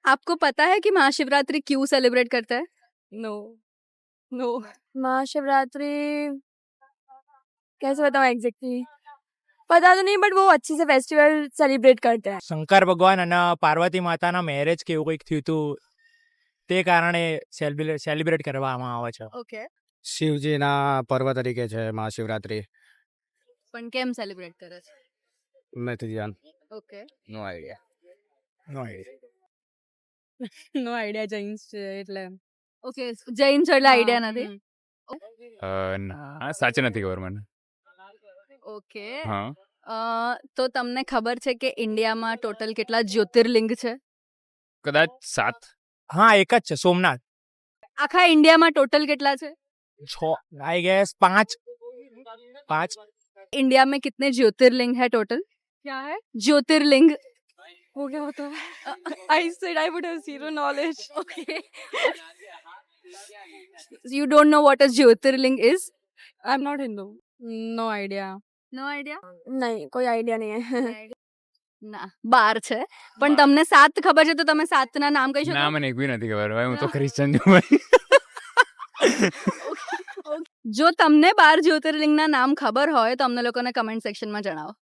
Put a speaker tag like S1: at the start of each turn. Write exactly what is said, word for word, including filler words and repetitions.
S1: आपको पता है कि महाशिवरात्रि क्यों सेलिब्रेट करते हैं?
S2: नो नो महाशिवरात्रि कैसे बताऊँ एग्जैक्टली पता तो नहीं बट वो अच्छे से फेस्टिवल सेलिब्रेट करते हैं.
S3: શંકર ભગવાન અને પાર્વતી માતાના મેરેજ કે એવું કંઈક થયું હતું તે કારણે સેલિબ્રેટ કરવામાં આવે છે.
S1: ઓકે.
S4: શિવજીના પર્વ તરીકે છે મહાશિવરાત્રિ.
S1: પણ કેમ સેલિબ્રેટ કરે છે?
S4: નથી જાણ.
S1: Okay.
S4: No idea.
S3: No idea.
S2: No idea Jains છે એટલે
S1: ઓકે, જૈન છો એટલે આઈડિયા નથી.
S5: અ, ના સાચી નથી ખબર મને.
S1: ઓકે.
S5: હા
S1: અ, તો તમને ખબર છે કે ઇન્ડિયામાં ટોટલ કેટલા જ્યોતિર્લિંગ છે?
S5: કદાચ સાત.
S3: હા, એક જ છે, સોમનાથ.
S1: આખા ઇન્ડિયામાં ટોટલ કેટલા છે?
S3: છ આઈ ગેસ પાંચ પાંચ
S1: इंडिया में कितने ज्योतिर्लिंग है टोटल?
S2: क्या है
S1: ज्योतिर्लिंग.
S2: वो क्या होता है I said I would have zero knowledge.
S1: Okay. You don't know what a jyotirlinga is?
S2: I am not Hindu. No idea.
S1: No idea.
S2: नहीं कोई आइडिया नहीं है.
S1: ના, બાર છે. પણ તમને સાત ખબર છે તો તમે સાતના નામ કહી શકો?
S5: ના મને એક બી નથી ખબર ભાઈ, હું તો ક્રિશ્ચન છું ભાઈ.
S1: જો તમને બાર જ્યોતિર્લિંગના નામ ખબર હોય તો અમને લોકોને કમેન્ટ સેક્શનમાં જણાવો.